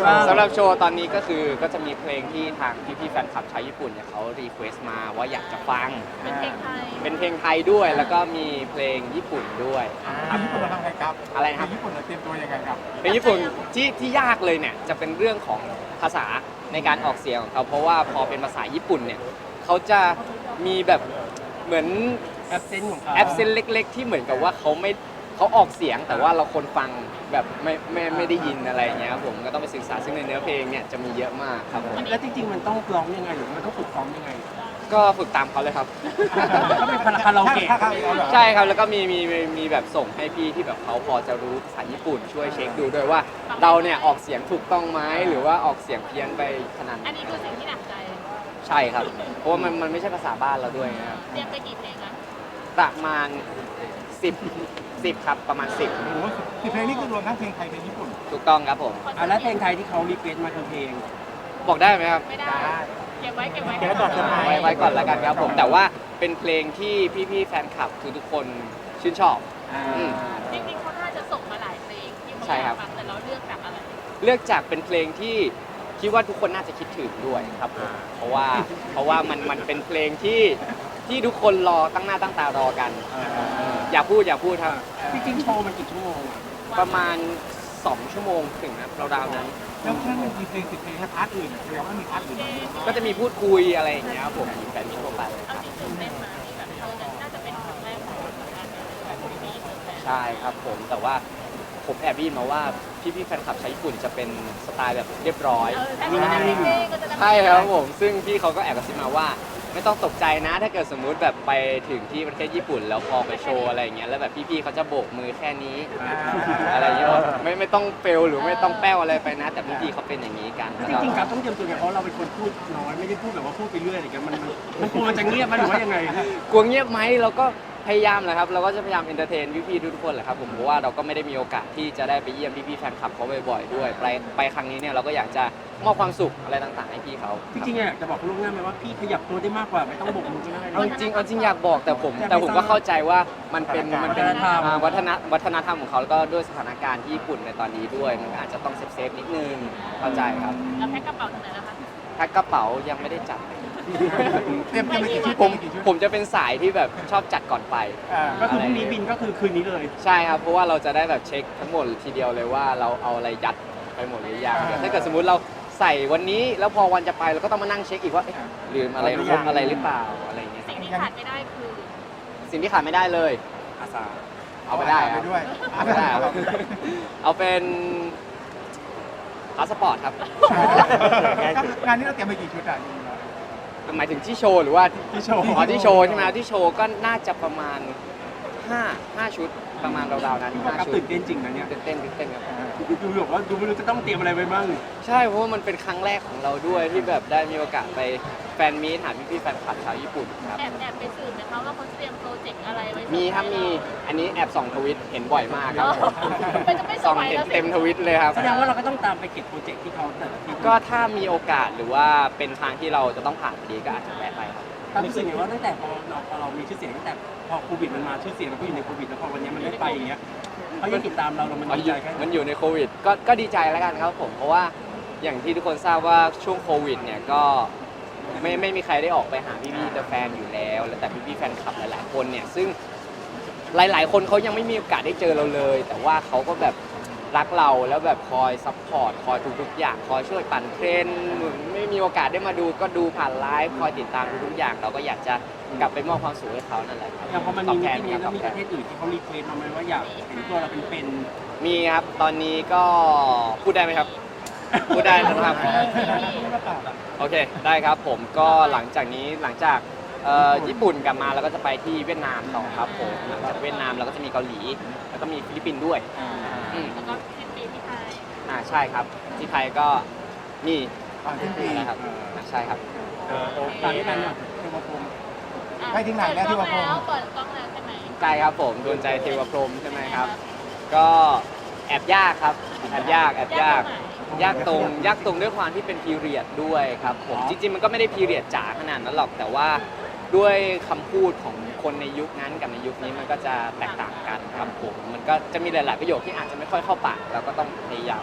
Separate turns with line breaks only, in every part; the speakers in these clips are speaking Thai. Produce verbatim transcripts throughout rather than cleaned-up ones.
บ้าง
สำหรับโชว์ตอนนี้ก็คือก็จะมีเพลงที่ทางพี่ๆแฟนคลับชาวญี่ปุ่นเนี่ยเขารีเควสต์มาว่าอยากจะฟัง
เป็นเพลงไทย
เป็นเพลงไทยด้วยแล้วก็มีเพลงญี่ปุ่นด้วยครับ
ญี่ปุ่นเราทำไงครับ
อะไรนะครับ
ญี่ปุ่นเราเตรียมตัวยังไงครับ
เพลงญี่ปุ่นที่ที่ยากเลยเนี่ยจะเป็นเรื่องของภาษาในการออกเสียงของเขาเพราะว่าพอเป็นภาษาญี่ปุ่นเนี่ยเขาจะมีแบบเหมือน
แอปเซนต์ของเขา
แอปเซนเล็กๆที่เหมือนกับว่าเขาไม่เขาออกเสียงแต่ว่าเราคนฟังแบบไม่ไม่ไม่ได้ยินอะไรอย่างเงี้ยครับผมก็ต้องไปศึกษาซึ่งในเนื้อเพลงเนี่ยจะมีเยอะมากครับผม
แล้วจริงๆมันต้องร้องยังไงหรือมันต้องฝึกซ้อมยังไง
ก็ฝึกตามเขาเลยครับ
ก็เป็นคาราโอเกะ
ถ้าถ้าเอาเหรอ
ใช่ครับแล้วก็มีมีมีมีแบบส่งให้พี่ที่แบบเขาพอจะรู้ภาษาญี่ปุ่นช่วยเช็คดูด้วยว่าเราเนี่ยออกเสียงถูกต้องไหมหรือว่าออกเสียงเพี้ยนไปขนาดไหน
อันนี้คือสิ่งที่หนักใจ
ใช่ครับเพราะว่ามันมันไม่ใช่ภาษาบ้านเราด้วยนะครับ
เตรียมไปกี่เพลงคะ
ประมาณสิบสิบครับประมาณสิบ
โอ้โหสิบเพลงนี่คือรวมทั้งเพลงไทยเพลงญี่ปุ่น
ถูกต้องครับผม
อ่ะแล้วเพลงไทยที่เขารีเควสต์มาคือเพลง
บอกได้ไหมครับ
ไม่ได้ เก็บไว้เก็บไว้
เก็บไว้ก่อนจะไป
ไว้ไว้ก่อนแล้วกันครับผมแต่ว่าเป็นเพลงที่พี่ๆแฟนคลับทุกๆคนชื่นชอบ
อ่า
อืม
จริงๆเขาน่าจะส่งมาหลายเพลงที่เขา
ใช่
อ
ครั
ยาก
บ
ฟังแต่เราเลือกจากอะไร
เลือกจากเป็นเพลงที่คิดว่าทุกคนน่าจะคิดถึงด้วยครับผมเพราะว่าเพราะว่ามันมันเป็นเพลงที่ที่ทุกคนรอตั้งหน้าตั้งตารอกัน อย่าพูดอย่าพูดครับ
จริงๆโชว์มันกี่ชั่วโมงอ่ะ
ประมาณสองชั่วโมงถึงนะราวๆนั้น
แล้วถ้ามันมีเพลงสิบเพลงแล้วพาร์ทอื่นแสดงว่ามีพาร์ทอื่นไหม
ก็จะมีพูดคุยอะไรอย่างเงี้ยครับผมแบบนี้ทั่วไป
เอาจริงตื่นเต้นมาที่แบบเออน่าจะเป็นครั้งแรกของเราการแบบมีตื่นเต้น
ใช่ครับผมแต่ว่าผมแอบได้ยินมาว่าพี่ๆแฟนคลับชาวญี่ปุ่นจะเป็นสไตล์แบบเรียบร้อย
เออถ้าที่มันจะมีเพลงก็จะได้
ใช่ครับผมซึ่งพี่เขาก็แอบกระซิบมาว่า ไม่ต้องตกใจนะถ้าเกิดสมมุติแบบไปถึงที่ประเทศญี่ปุ่น แล้วพอไปโชว์อะไรอย่างเงี้ยแล้วแบบพี่ๆเขาจะโบกมือแค่นี้อะไรอย่างเงี้ยไม่ไม่ต้องเฟลหรือไม่ต้องแป้วอะไรไปนะ แต่พี่ๆเขาเป็นอย่างนี้กัน
จริงๆครับต้องเตรียมตัวไงเพราะเราเป็นคนพูดน้อยไม่ได้พูดแบบว่าพูดไปเรื่อยอะไรอย่างเงี้ยมันมันมันกลัวมันจะเงียบมันหรือว่ายังไง
กลัวเงียบไหมเราก็พยายามแหละครับเราก็จะพยายามเอนเตอร์เทนพี่ๆทุกคนแหละครับผมเพราะว่าเราก็ไม่ได้มีโอกาสที่จะได้ไปเยี่ยมพี่ๆแฟนคลับเขาบ่อยๆด้วยไปไปครั้งนี้เนี่ยเราก็อยากจะมอบความสุขอะไรต่างๆให้พี่เขา
จริงๆอยากจะบอกลูกหน้าไหมว่าพี่ขยับตัวได้มากกว่าไม่ต้องโบกมือก็ได้
เอาจริงๆเอาจริงอยากบอกแต่ผมแต่ผมก็เข้าใจว่ามันเป็นมันเป็น
วัฒนธรรม
อ่าวัฒนวัฒนธรรมของเขาแล้วก็ด้วยสถานการณ์ที่ญี่ปุ่นในตอนนี้ด้วยมันก็อาจจะต้องเซฟๆนิดนึงเข้าใจครับ
แล้วแพ็คกระเป๋าตรงไหนนะคะ
แพ็คกระเป๋ายังไม่ได้จัด
เตรียมเตรียมไปกี่ชุด
ผม
กี่ชุด
ผมจะเป็นสายที่แบบชอบจัดก่อนไป
อ่า
ก็คือพรุ่งนี้บินก็คือคืนนี้เลย
ใช่ครับเพราะว่าเราจะได้แบบเช็คทั้งหมดทีเดียวเลยว่าเราเอาอะไรยัดไปหมดหรือยังเดี๋ยวถ้าเกิดสมมุติเราใส่วันนี้แล้วพอวันจะไปเราก็ต้องมานั่งเช็คอีกว่าเอ๊ะลืมอะไรครบอะไรหรือเปล่าอะไรอย่างเงี้ย
สิ่งที่ขาดไม่ได้คือ
สิ่งที่ขาดไม่ได้เลยอาสาเอาไปได้ค
ไป
รับ
ด้วย
เอาไปได้ครับเอาเป็นพาสปอร์ตครับ
งานนี้เราเตรียมไปกี่ชุดอ่ะ
หมายถึงที่โชว์หรือว่า
ที่โชว์
อ๋อที่โชว์ใช่ไหมที่โชว์ก็น่าจะประมาณห้า ห้าชุดประมาณราวๆนั้น
พี่บอก
ห้า
ครับ
ชุด
ตื่นเต้นจริงนะเนี่ย
ตื่นเต้นตื่นเต้นครับ
ดูบอกว่าดูไม่รู้จะต้องเตรียมอะไรไว้บ้าง
ใช่เพราะว่ามันเป็นครั้งแรกของเราด้วยที่แบบได้มีโอกาสไปแฟนมีตหาพี่ๆแฟนคลับชาวญี่ปุ่นครับ
แอบแอบไปสืบไหมคะว่าเขาเตรียมโปรเจกต์อะไรไว้
มีครับมีอันนี้แอบส่องทวิตเห็นบ่อยมากครับผม
มันจะไม่ส
ส่อง
บาย
เห็น
แล้วสิ
เต็มทวิตเลยครับ
แสดงว่าเราก็ต้องตามไปเก็บโปรเจกต์ที่เขาแต่ละที่
ก็ถ้ามีโอกาสหรือว่าเป็นทางที่เราจะต้องผ่านพอดีก็อาจจะแวะไปครับ
ความรู้สึกไงว่าตั้งแต่พอเราพอเรามีชื่อเสียงตั้งแต่พอโควิดมันมาชื่อเสียงเราก็อยู่ในโควิดแล้วพอวันนี้มันได้ไปอย่างเงี้ยเขายังติดตามเราเรามัน
มัน
ดี
อ
ใจ
ยู่
แค่ไหน
มันอยู่ในโควิดก็ก็ดีใจแล้วกันครับผมเพราะว่าอย่างที่ทุกคนทราบว่าช่วงโควิดเนี่ยก็ไม่ไม่มีใครได้ออกไปหาพี่พี่แฟนอยู่แล้วแล้วแต่พี่พี่แฟนคลับหลายๆคนเนี่ยซึ่งหลายๆ คนเขายังไม่มีโอกาสได้เจอเราเลย แต่ว่าเขาก็แบบรักเราแล้วแบบคอยซัพพอร์ตคอยทุกๆอย่างคอยช่วยปั่นเทรนด์ไม่มีโอกาสได้มาดูก็ดูผ่านไลฟ์คอยติดตามทุกๆอย่าง เราก็อยากจะกลับไปมอบความสุขให้เขานั่นแหละครับ
อย่างพอมัน
ตอ
มี
บแท
มิ
น
ติ
ค
นี้
รับ
แล้ว
ตอบแทน
มีประเทศอื่นที่เขารีเควสมาไหมว่าอยากเห็นตัวเราเป็นเป็น
มีครับตอนนี้ก็พูดได้ไหมครับ พูดได้นะครับ โอเคได้ครับผมก็หลังจากนี้หลังจากเอ่อญี่ปุ่นกลับมาเราก็จะไปที่เวียดนามต่อครับผมหลังจากเวียดนามเราก็จะมีเกาหลี แล้วก็มีฟิลิปปินส์ด้วยอืม
แล้วก็สิ้นปีที่ไทย
อ่าใช่ครับที่ไทยก็มี
ก่อนสิ้นปี
นะครับอ่าใช่ครับ
ตามที่นั่นเนี่ยเทวพรหม
อ่ะ
ไปถึงไหนแล้วที่ว่าพรหม
เปิดกล้องแล้วใช่ไหม
ใกล้ครับผมดวงใจเทวพรหมใช่ไหมครับ ก็แอบยากครับแอบยากแอบยาก ยากตรงยากตรงด้วยความที่เป็นพีเรียดด้วยครับผมจริงๆมันก็ไม่ได้พีเรียดจ๋าขนาดนั้นหรอกแต่ว่าด้วยคำพูดของคนในยุคนั้นกับในยุคนี้มันก็จะแตกต่างกันครับผมมันก็จะมีหลายๆประโยคที่อาจจะไม่ค่อยเข้าปากเราก็ต้องพยายาม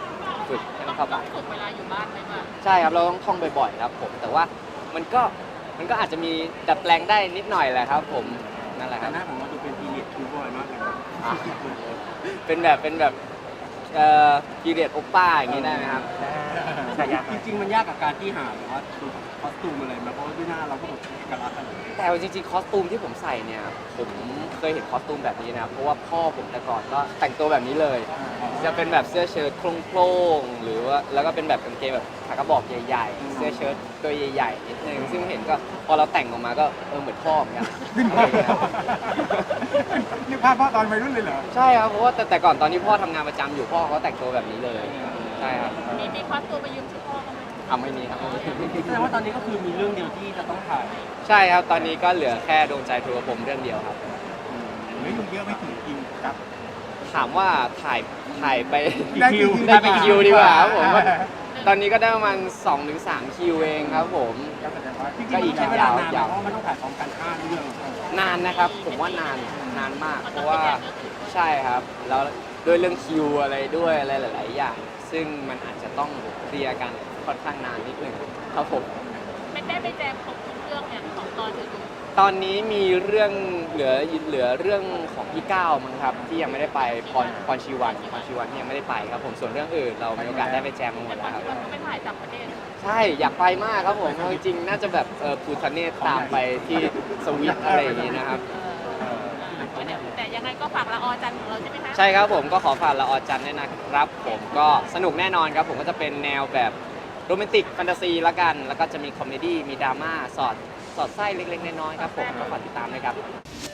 ฝึกให้
ต้
มั
อน ง
เข้า
ต้
ปา
อก งฝึกเวลาอยู่บ้านไหมว่า
ใช่ครับเราต้องท่องบ่อยๆครับผมแต่ว่ามันก็มันก็อาจจะมีดัดแปลงได้นิดหน่อยแหละครับผมนั่นแหละค
แต่
รับ
หน้าของเราดูเป็นพีเรียดคิวบอยมากเลยนะ
อ่ะเป็นแบบเป็นแบบเอ่อพีเรียดโอป้าอย่างนี้ได้ไหมครับ
ใช่ยาก
จริงๆมันยากกับการที่หาหรือว่าดูคอสตูมอะไรมาเพราะว่าด้วยหน้าเราก็แบบเอกลักษณ์อะไร
แต่เอาจริงๆคอสตูมที่ผมใส่เนี่ยผมเคยเห็นคอสตูมแบบนี้นะเพราะว่าพ่อผมแต่ก่อนก็แต่งตัวแบบนี้เลย จะเป็นแบบเสื้อเชิ้ตโครงๆหรือว่าแล้วก็เป็นแบบกางเกงแบบขากระบอกใหญ่ๆ เสื้อเชิ้ตตัวใหญ่ๆนิดนึงซึ่งเห็นก็พอเราแต่งออกมาก็เออเหมือนพ่อเหมือนกันอะไรอย่างเงี้ยครับ
นี่ภาพพ่อตอนวัยรุ่นเลยเหรอ
ใช่ครับเพราะว่าแต่แต่ก่อนตอนที่พ่อทำงานประจำอยู่พ่อเขาแต่งตัวแบบนี้เลยใช่ครับ
มีมีควักตัวไปยืมชุดพ่อเขาไหม
ทำไม่มีครับ
แสดงว่าตอนนี้ก็คือมีเรื่องเดียวที่จะต้องถ่าย
ใช่ครับตอนนี้ก็เหลือแค่ดวงใจทัวร์ผมเรื่องเดียวครับ
เหลืออยู่เยอะไม่ถึงคิวกับ
ถามว่าถ่ายถ่ายไป
กี่คิว
ได้กี่คิวดีกว่าครับผมว่าตอนนี้ก็ได้ประมาณสองถึงสามคิวเองครับผม
ก็แสดงว่า
จริงๆ
ก็
มัน
อีก
ใช้เวลานาน
ยาว
เพราะว่ามันต้องถ่ายพร้อมกันห้าเรื่อง
นานนะครับ ผมว่านานนานมาก เพราะว่าใช่ครับ แล้วด้วยเรื่องคิวอะไรด้วยอะไรหลาย ๆ อย่าง ซึ่งมันอาจจะต้องเคลียร์กันค่อนข้างนานนิดหนึ่งครับผม
ไม่ได้ไปแจมครบทุกเรื่องเนี่ยของตอนอื่น
ตอนนี้มีเรื่องเหลือเหลือเรื่องของพี่ก้าวมั้งครับที่ยังไม่ได้ไปพรพรชีวันพรชีวันที่ยังไม่ได้ไปครับผมส่วนเรื่องอื่นเรามีโอกาสได้ไปแจมมาหม
แต่
ด
ตอ
แล้
น
วครับ
ที่มันก็ไปถ่ายต่างประเทศ
ใช่อยากไปมากครับผมเอาจริงๆน่าจะแบบเออภูทะเนศตามไปที่สวิตอะไรอย่างนี้นะครับ
แต่ยังไงก็ฝากละออจันทร์ของเราใช่ไหมคะ
ใช่ครับผมก็ขอฝากละออจันทร์ด้วยนะครับ ผมก็สนุกแน่นอนครับผมก็จะเป็นแนวแบบโรแมนติกแฟนตาซีละกัน แล้วก็จะมีคอมเมดี้มีดราม่าสอดสอดไส้เล็กๆน้อยๆครับผมก็ฝากติดตามด้วยครับ